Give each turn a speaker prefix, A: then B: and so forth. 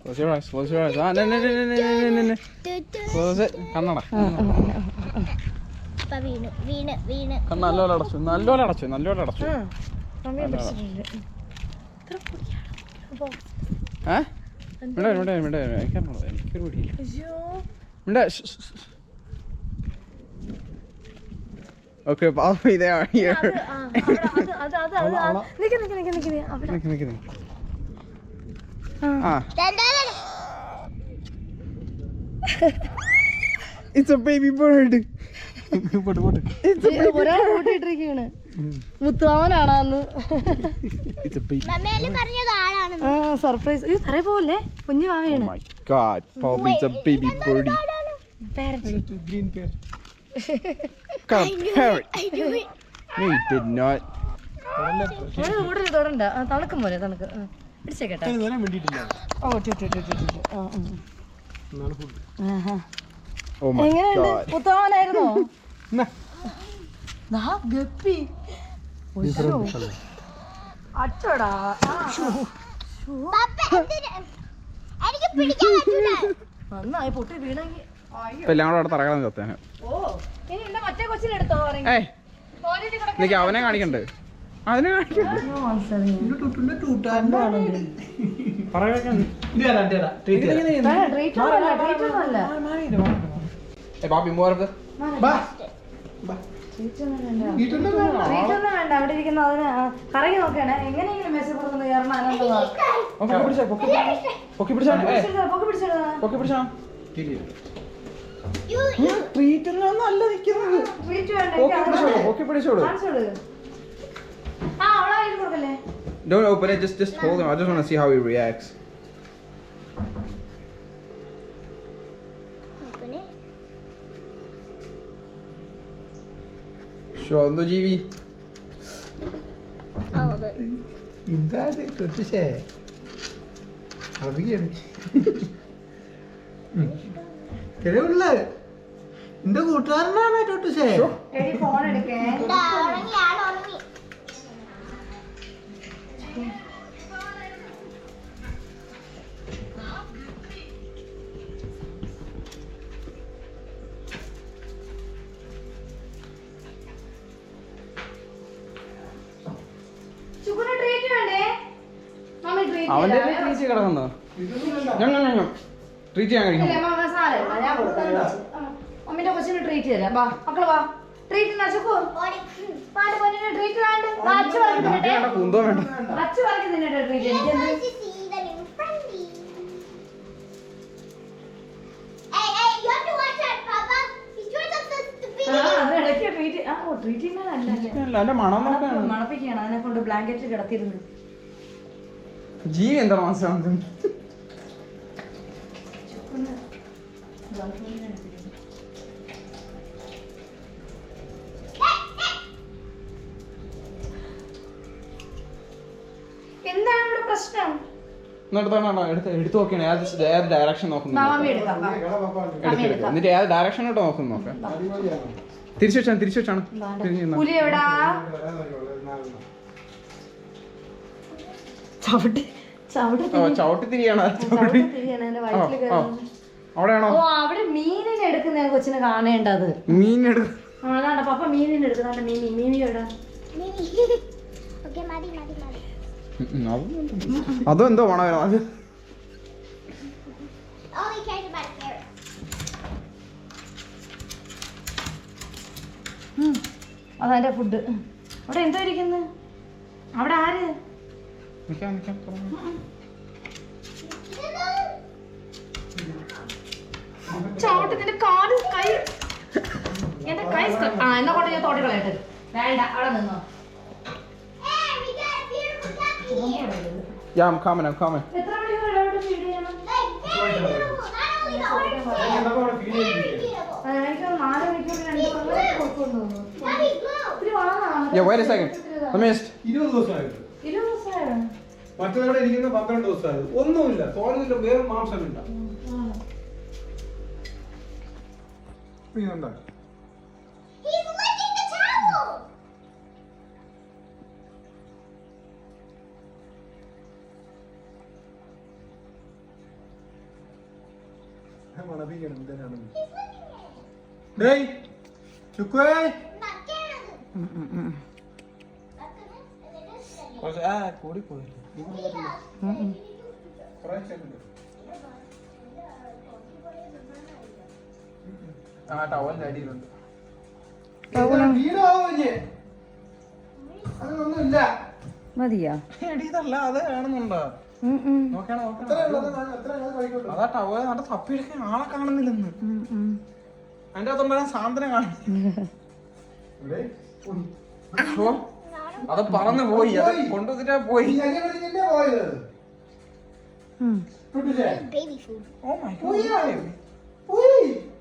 A: Close your eyes. Close your eyes. No. Close it. കണ്ണട. കണ്ണ നല്ലോണം അടച്ചു. നല്ലോണം അടച്ചു. എനിക്കൊരു പിടിയില്ല. Okay, Bobby, they are here. It's a baby bird. It's a baby bird. മുത്തുമാവനാണെന്ന് സർപ്രൈസ് പോലെ കുഞ്ഞു മാവയാണ്. Oh my God, Bobby, it's a baby birdie. Green parrot. Parrot. No, you did not.
B: തൊടണ്ട തണുക്കും പോലെ തണുക്ക് പിടിച്ചേക്കട്ടെ.
A: Oh my God.
B: മുത്തുമാവനായിരുന്നോ? Guppy അച്ചോടാ. നന്നായി പൊട്ടി വീണെങ്കിൽ
A: എല്ലാം കൂടെ അവിടെ തറകളം ചത്തേനെ.
B: മറ്റേ കൊച്ചിനെടുത്തോ?
A: അവനെ കാണിക്കണ്ടേ? അതിനെ കാണിക്കണ്ടേ? Bobby, more of this.
B: വേണ്ട അവിടെ ഇരിക്കുന്ന അതിന് കറങ്ങി നോക്കണേ. എങ്ങനെയെങ്കിലും മെസ്സിപ്പുറത്ത് കയറണം.
A: Don't open it, just hold him. I just want to see how he reacts. Shondo ജീവി
C: ഇതാണ് തൊട്ടിശേ അറിയാണ് കിഴവുള്ള എന്റെ കൂട്ടുകാരനാണ് തൊട്ടിശേ.
B: ഫോൺ എടുക്കേ.
A: അവന്റെ ട്രീറ്റ് കിടക്കുന്നോ? ട്രീറ്റ് ചെയ്യാൻ കഴിക്കും.
B: മമ്മിന്റെ കൊച്ചിന് ട്രീറ്റ് തരാം. വാ മക്കള് വാ. ട്രീറ്റ്
A: കുന്തോ വേണ്ട.
B: അച്ഛ പറഞ്ഞു തിന്നട്ടെ ട്രീറ്റ്. മണപ്പിക്കുകയാണ്. അതിനെ കൊണ്ട് ബ്ലാങ്കറ്റ് കിടത്തിയിരുന്നു.
A: ജീവി എന്താ മാസം
B: എന്താണ് ഇവിടെ പ്രശ്നം?
A: എടുത്തു നോക്കണേ. ഏത് ഡയറക്ഷൻ നോക്കുന്നു എന്നിട്ട് ഏത് ഡയറക്ഷനോട്ട് നോക്കുന്നു നോക്കാം. തിരിച്ചു വെച്ചാണ് ചവിട്ടി തിരിയാണ്. അവിടെയാണോ?
B: അവിടെ മീനിനെ എടുക്കുന്ന കൊച്ചിനെ കാണേണ്ടത്. അതാണ് പപ്പ മീനിനെ എടുക്കുന്ന. മീനി എവിടെ?
A: അതെന്തോ വേണോ അത്?
B: അതെന്റെ ഫുഡ്. അവിടെ എന്തോ ഇരിക്കുന്നു? അവിടെ ആര്? ചോട്ടത്തിന്റെ കാല് കൈ എന്റെ കൈ എന്നാ കൊണ്ട് ഞാൻ തോട്ടി കളയട്ടെ. വേണ്ട അവിടെ നിന്നോ.
A: Yeah, I'm coming.
B: എത്ര മണിക്കൂർ ഇവിടെ ഫീഡ് ചെയ്യണം? എനിക്ക് 4 മണിക്കൂർ 2 കൊടുക്കുന്നു.
A: Yeah, wait a second. Let me just
C: 20 ദിവസമായിട്ട്.
B: 20 ദിവസമായോ?
C: മറ്റവിടെ ഇരിക്കുന്ന 12 ദിവസമായത്. ഒന്നുമില്ല, തോന്നുന്നില്ല, വേറെ മാംസമില്ല. ഇതുണ്ടോ? മണപ്പിക്കണം എന്തിനാണെന്ന്. ഡേയ് ചുക്കുവേ കൂടി പോയി ആ ടവലിന്റെ അടിയിലുണ്ട്. അതൊന്നുമില്ല
A: മതിയാ
C: അടിയതല്ല അത് കാണുന്നുണ്ടോ? നോക്കണം അതാ ടവൽ നല്ല തപ്പിയെടുക്കാൻ ആളെ കാണുന്നില്ലെന്ന്. അതിന്റെ അകത്തുണ്ടായ സാധനം കാണുന്നില്ല. അത് പറന്ന് പോയി, അത് കൊണ്ടുവന്നിട്ടാ പോയി.
D: Baby food.
C: Oh my god.